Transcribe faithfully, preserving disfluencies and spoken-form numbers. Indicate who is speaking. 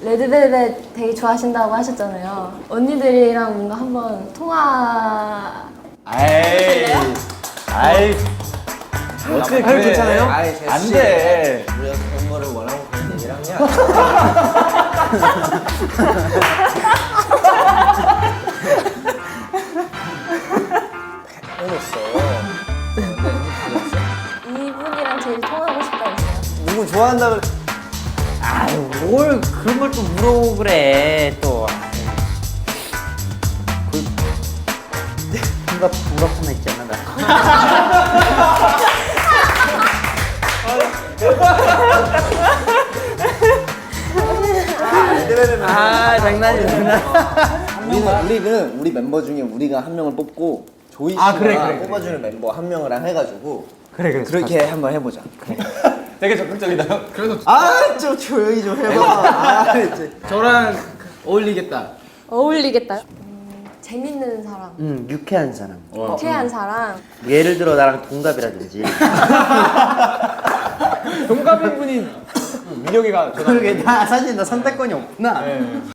Speaker 1: 레드벨벳 되게 좋아하신다고 하셨잖아요. 언니들이랑 뭔가 한번 통화.
Speaker 2: 아이, 아이, 어떻게 그래? 괜찮아요?
Speaker 3: 아이, 제시.
Speaker 2: 안 돼.
Speaker 3: 우리가 그런 거를 원하고 그런 얘기를 하냐? 해놓았어.
Speaker 1: 이분이랑 제일 통화하고 싶다고 했어요.
Speaker 3: 누구 좋아한다 그래?
Speaker 4: 아유, 뭘 그런 걸 또 물어보고 그래 또. 그 분갑 분갑 하나 있잖아 나. 아 장난이야 장난.
Speaker 3: 우리는 우리는 우리 멤버 중에 우리가 한 명을 뽑고 조이 씨가
Speaker 2: 아, 그래, 그래, 그래.
Speaker 3: 뽑아주는 멤버 한 명이랑 해가지고
Speaker 2: 그래, 그래.
Speaker 3: 그렇게 한번 해보자.
Speaker 2: 되게 적극적이다. 그래서
Speaker 3: 아, 좀 조용히 좀 해봐. 아, 이제.
Speaker 5: 저랑 어울리겠다.
Speaker 1: 어울리겠다. 음, 재밌는 사람,
Speaker 4: 음 유쾌한 사람.
Speaker 1: 유쾌한 사람.
Speaker 4: 예를 들어 나랑 동갑이라든지.
Speaker 2: 동갑인 분이 민혁이가
Speaker 4: 그러게 나 사실 나 선택권이 없구나.
Speaker 2: 네.